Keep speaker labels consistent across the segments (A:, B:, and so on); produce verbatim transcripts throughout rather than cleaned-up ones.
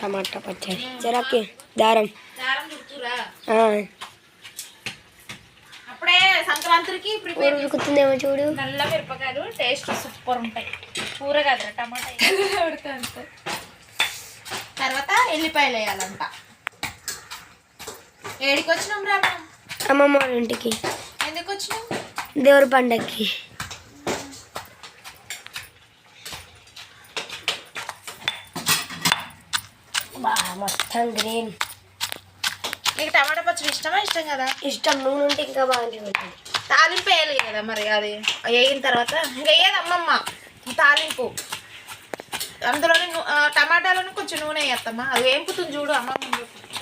A: టమాటా పచ్చడి జరాకి దారం
B: దారం చుడుతురా అప్పుడే సంక్రాంతికి ప్రిపేర్
A: ఉడుకుతుందేమో చూడు.
B: నల్ల మిరపకాయలు టేస్ట్ సూపర్ ఉంటాయి. కూర కాదురా టమాటా ఉడకంత. తర్వాత ఎల్లిపాయలు వేయాలంట. ఏడికి వచ్చినాం రా?
A: అమ్మమ్మ వాళ్ళ ఇంటికి.
B: ఎందుకు వచ్చినాం?
A: దేవుడి పండక్కి. మొత్తం గ్రీన్.
B: నీకు టమాటా పచ్చడి ఇష్టమా? ఇష్టం కదా.
A: ఇష్టం. నూనె ఉంటే ఇంకా బాగుంటుంది.
B: తాలింపు వేయాలి కదా మరి. అది వేగిన తర్వాత ఇంకా వేయదు అమ్మమ్మ తాలింపు. అందులోనే టమాటాలోనే కొంచెం నూనె వేస్తామ్మా. అది వేంపుతుంది చూడు అమ్మమ్మ.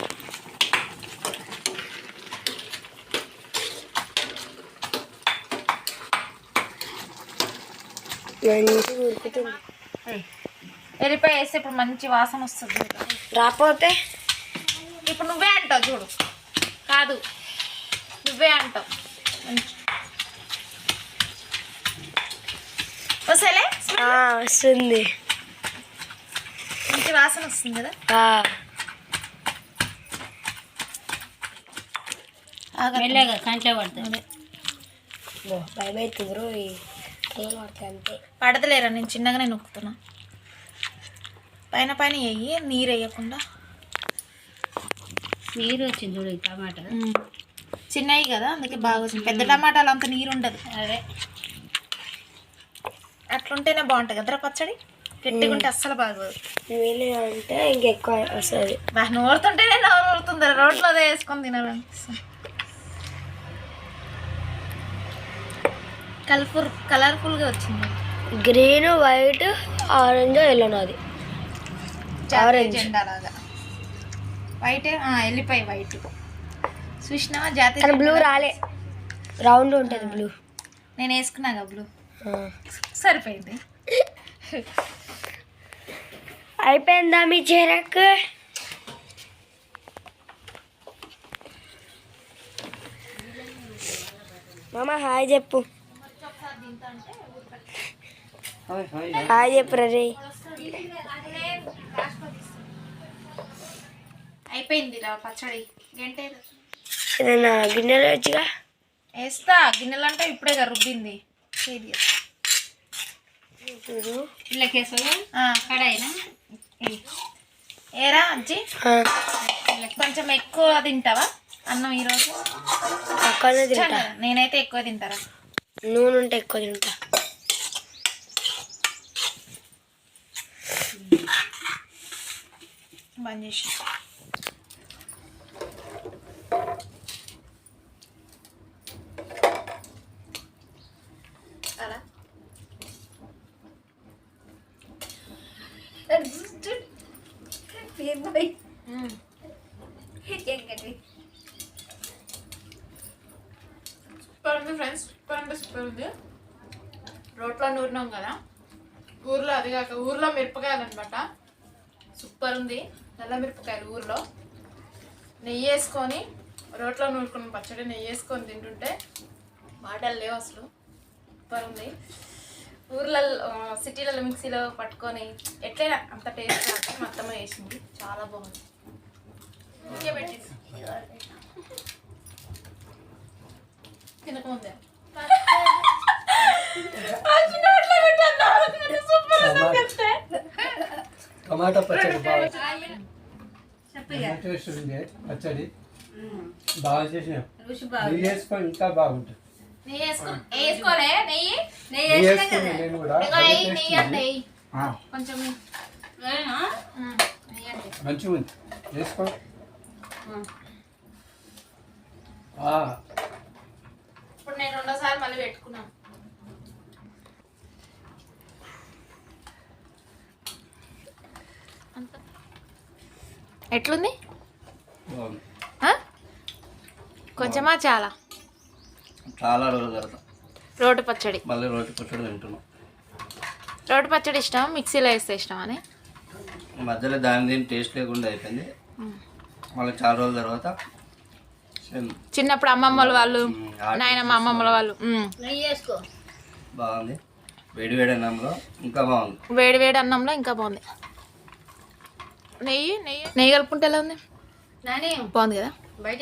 B: ఎల్లిపాయ వేస్తే ఇప్పుడు మంచి వాసన వస్తుంది.
A: రాకపోతే
B: ఇప్పుడు నువ్వే అంటావు చూడు. కాదు నువ్వే అంటావు. వస్తలే
A: వస్తుంది.
B: మంచి వాసన వస్తుంది కదా.
A: మెల్లగా కంట్లో పడుతుంది. భయమవుతుంది పడుతుంది అంతే.
B: పడతలేరా? నేను చిన్నగానే నొక్కుతున్నా. పైన పైన వేయి, నీరు వేయకుండా.
A: నీరు వచ్చింది చూడు. టమాటా
B: చిన్నవి కదా అందుకే బాగా వచ్చింది. పెద్ద టమాటాలు అంత నీరు ఉండదు.
A: అదే
B: అట్లుంటేనే బాగుంటుంది కదరా పచ్చడి. గట్టిగా ఉంటే అస్సలు బాగోదు.
A: అంటే ఇంకెక్కువ వస్తుంది.
B: బాగా నూరుతుంటేనే నోరు ఊరుతుంది. రోట్లో అదే వేసుకొని తినాలనిపిస్తుంది. కలర్ఫుల్ కలర్ఫుల్గా వచ్చింది.
A: Green, white, orange, yellow. నాది ఆరెంజ్
B: జెండా లాగా. వైట్ ఎల్లిపాయ వైట్ చూసినావా? జాతీయ
A: బ్లూ రాలే. రౌండ్ ఉంటుంది బ్లూ.
B: నేను వేసుకున్నాగా బ్లూ. సరిపోయింది.
A: అయిపోయిందా మీ చెరక్? మామ హాయ్ చెప్పు. హాయ్ చెప్పు రే.
B: అయిపోయింది రా పచ్చడి. గంట
A: ఏదైనా గిన్నెలు వచ్చిగా
B: వేస్తా. గిన్నెలు అంటే ఇప్పుడే రుబ్బింది. కడాయినా ఏరా అజ్జి కొంచెం ఎక్కువ తింటావా అన్నం ఈరోజు?
A: ఎక్కువనే తింటా.
B: నేనైతే ఎక్కువ తింటారా.
A: నూనె ఉంటే ఎక్కువ తింటా.
B: బంద్ చేసి అలా సూపర్ ఉంది ఫ్రెండ్స్. సూపర్ అంటే సూపర్ ఉంది. రోట్లో నూరినాం కదా ఊర్లో. అది కాక ఊర్లో మిరపకాయలు అనమాట. సూపర్ ఉంది. నల్ల మిరపకాయలు ఊర్లో నెయ్యి వేసుకొని రోట్లో నూరుకున్న పచ్చడి నెయ్యి వేసుకొని తింటుంటే మాటలు లేవు అసలు. సూపర్ ఉంది. ఊర్లలో సిటీలలో మిక్సీలో పట్టుకొని ఎట్లయినా అంత టేస్ట్ రాక మా అత్తమ్మ వేసింది. చాలా బాగుంది. ఇంకే పెట్టింది తినకముందే.
C: టమాటా పచ్చడి బాగా టేస్ట్ ఉంది. పచ్చడి బాగా చేసిన నెయ్యి వేసుకొని ఇంకా బాగుంటుంది.
B: నెయ్యి వేసుకో వేసుకోలే. నెయ్యి నెయ్యి
C: వేసుకున్నాను నేను కూడా.
B: నెయ్యి కొంచెం
C: మంచిగా ఉంది. వేసుకో.
B: ఇప్పుడు నేను రెండోసారి మళ్ళీ పెట్టుకున్నాను. ఎట్లుంది? కొంచెమా చాలా?
C: చాలా రోజులు తర్వాత
B: రోటి పచ్చడి.
C: మళ్ళీ రోటి పచ్చడి తింటున్నాం.
B: రోటి పచ్చడి ఇష్టం మిక్సీలో వేస్తే ఇష్టం అని
C: మధ్యలో దాని దీని టేస్ట్ లేకుండా అయిపోయింది. మళ్ళీ చాలా రోజుల తర్వాత
B: చిన్నప్పుడు అమ్మమ్మల వాళ్ళు నాయనమ్మ అమ్మమ్మల వాళ్ళు
C: బాగుంది. వేడి వేడి అన్నంలో ఇంకా బాగుంది.
B: వేడి వేడి అన్నంలో ఇంకా బాగుంది. నెయ్యి నెయ్యి నెయ్యి కలుపుకుంటే ఎలా ఉంది
D: నాని
B: బాగుంది కదా
D: బయట